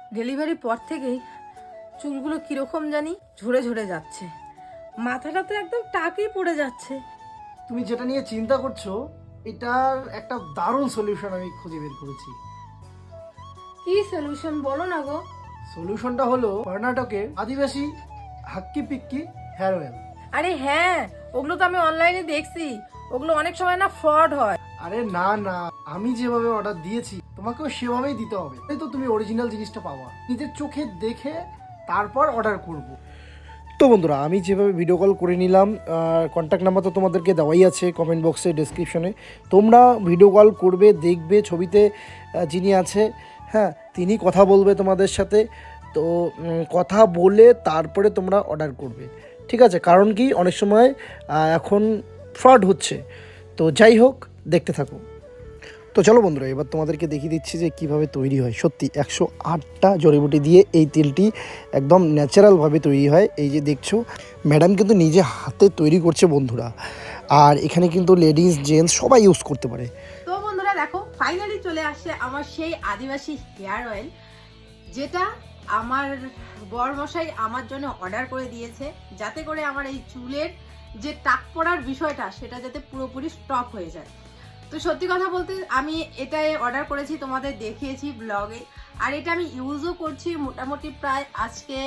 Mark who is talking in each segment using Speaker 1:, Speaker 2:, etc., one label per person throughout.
Speaker 1: ডেলিভারির পর থেকেই চুলগুলো কিরকম জানি ঝরে ঝরে যাচ্ছে, মাথাটা তো একদম টাকই পড়ে যাচ্ছে।
Speaker 2: তুমি যেটা নিয়ে চিন্তা করছো এটার একটা দারুণ সলিউশন আমি খুঁজে বের করেছি।
Speaker 1: কি সলিউশন বলো না গো।
Speaker 2: সলিউশনটা হলো কর্ণাটকের আদিবাসী হাক্কি পিক্কি হেয়ার অয়েল।
Speaker 1: আরে হ্যাঁ, ওগুলো তো আমি অনলাইনে দেখছি, ওগুলো অনেক সময় না ফ্রড হয়।
Speaker 2: আরে না না, আমি যেভাবে অর্ডার দিয়েছি তোমাকেও সেভাবেই দিতে হবে, তাই তো তুমি অরিজিনাল জিনিসটা পাওয়া। নিজের চোখে দেখে তারপর অর্ডার করব। তো বন্ধুরা, আমি যেভাবে ভিডিও কল করে নিলাম, কন্ট্যাক্ট নাম্বার তো তোমাদেরকে দেওয়াই আছে কমেন্ট বক্সে, ডেসক্রিপশনে। তোমরা ভিডিও কল করবে, দেখবে ছবিতে যিনি আছে, হ্যাঁ, তিনি কথা বলবে তোমাদের সাথে। তো কথা বলে তারপরে তোমরা অর্ডার করবে, ঠিক আছে? কারণ কি, অনেক সময় এখন ফ্রড হচ্ছে। তো যাই হোক, দেখতে থাকো। তো চলো বন্ধুরা, এবার তোমাদেরকে দেখিয়ে দিচ্ছি যে কিভাবে তৈরি হয়। সত্যি 108টা জড়িবুটি দিয়ে এই তেলটি একদম ন্যাচারালভাবে তৈরি হয়। এই যে দেখছো, ম্যাডাম কিন্তু নিজে হাতে তৈরি করছে বন্ধুরা। আর এখানে কিন্তু লেডিস জেন্টস সবাই ইউজ করতে পারে।
Speaker 1: তো বন্ধুরা দেখো, ফাইনালি চলে আসছে আমার সেই আদিবাসী হেয়ার অয়েল, যেটা আমার বরমশাই আমার জন্য অর্ডার করে দিয়েছে, যাতে করে আমার এই চুলের যে টাক পড়ার বিষয়টা সেটা যাতে পুরোপুরি স্টপ হয়ে যায়। তো সত্যি কথা বলতে আমি এটাই অর্ডার করেছি, তোমাদের দেখিয়েছি ব্লগে। আর এটা আমি ইউজও করছি মোটামুটি প্রায় আজকে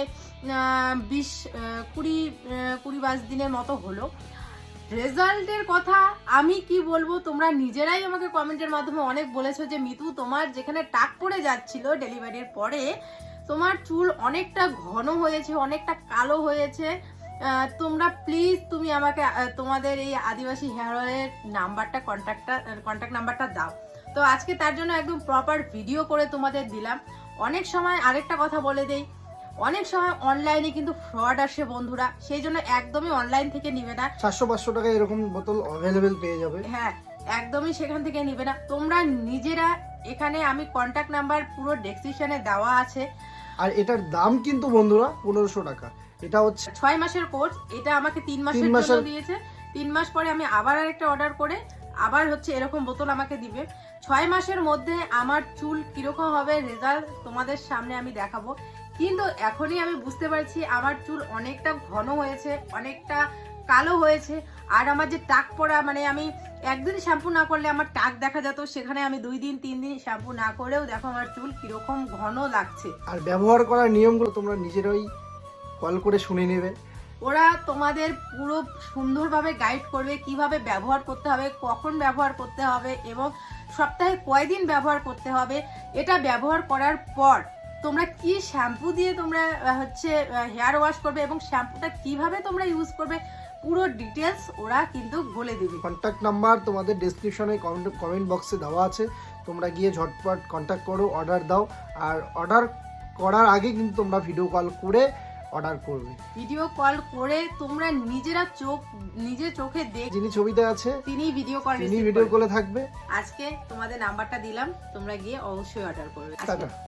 Speaker 1: 20-22 দিনের মতো হলো। রেজাল্টের কথা আমি কি বলবো, তোমরা নিজেরাই আমাকে কমেন্টের মাধ্যমে অনেক বলেছো যে মিতু, তোমার যেখানে টাক পড়ে যাচ্ছিল ডেলিভারির পরে, তোমার চুল অনেকটা ঘন হয়েছে, অনেকটা কালো হয়েছে। তোমরা প্লিজ তুমি আমাকে তোমাদের এই আদিবাসী হেয়ার অয়েলের নাম্বারটা, কন্ট্যাক্ট নাম্বারটা দাও। তো আজকে তার জন্য একদম প্রপার ভিডিও করে তোমাদের দিলাম। অনেক সময় আরেকটা কথা বলে দেই, অনেক সময় অনলাইনে কিন্তু ফ্রড আসে বন্ধুরা, সেই জন্য একদমই অনলাইন থেকে নিবে না।
Speaker 2: 400-500 টাকা এরকম বোতল অ্যাভেলেবেল পেয়ে যাবে।
Speaker 1: হ্যাঁ, একদমই সেখান থেকে নিবে না। তোমরা নিজেরা, এখানে আমি কন্ট্যাক্ট নাম্বার পুরো ডেসক্রিপশনে দেওয়া আছে।
Speaker 2: আর এটার দাম কিন্তু বন্ধুরা 1500 টাকা। এটা হচ্ছে
Speaker 1: 6 মাসের কোর্স, এটা আমাকে 3 মাসের জন্য দিয়েছে। 3 মাস পরে আমি আবার আরেকটা অর্ডার করে আবার হচ্ছে এরকম বোতল আমাকে দিবে। 6 মাসের মধ্যে আমার চুল কিরকম হবে রেজাল্ট তোমাদের সামনে আমি দেখাবো। কিন্তু এখনই আমি বুঝতে পারছি আমার চুল অনেকটা ঘন হয়েছে, অনেকটা কালো হয়েছে। আর আমার যে টাক পড়া, মানে আমি একদিন শ্যাম্পু না করলে আমার টাক দেখা যেত, সেখানে আমি 2 দিন 3 দিন শ্যাম্পু না করেও দেখো আমার চুল কিরকম ঘন লাগছে।
Speaker 2: আর ব্যবহার করার নিয়মগুলো তোমরা নিজেরাই কল করে শুনে নেবে।
Speaker 1: ওরা তোমাদের পুরো সুন্দরভাবে গাইড করবে কিভাবে ব্যবহার করতে হবে, কখন ব্যবহার করতে হবে এবং সপ্তাহে কয়দিন ব্যবহার করতে হবে। এটা ব্যবহার করার পর তোমরা কি শ্যাম্পু দিয়ে তোমরা হচ্ছে হেয়ার ওয়াশ করবে এবং শ্যাম্পুটা কিভাবে তোমরা ইউজ করবে, পুরো ডিটেলস ওরা কিন্তু বলে দিবে।
Speaker 2: কন্ট্যাক্ট নাম্বার তোমাদের ডেসক্রিপশনে কমেন্ট বক্সে দেওয়া আছে, তোমরা গিয়ে ঝটপট কন্ট্যাক্ট করো, অর্ডার দাও। আর অর্ডার করার আগে কিন্তু তোমরা ভিডিও কল করে অর্ডার করবে।
Speaker 1: ভিডিও কল করে তোমরা নিজেরা নিজের চোখে
Speaker 2: যিনি ছবিতে আছে
Speaker 1: তিনি ভিডিও
Speaker 2: কলে থাকবে।
Speaker 1: আজকে তোমাদের নাম্বারটা দিলাম, তোমরা গিয়ে অবশ্যই অর্ডার করবে।
Speaker 2: টাটা।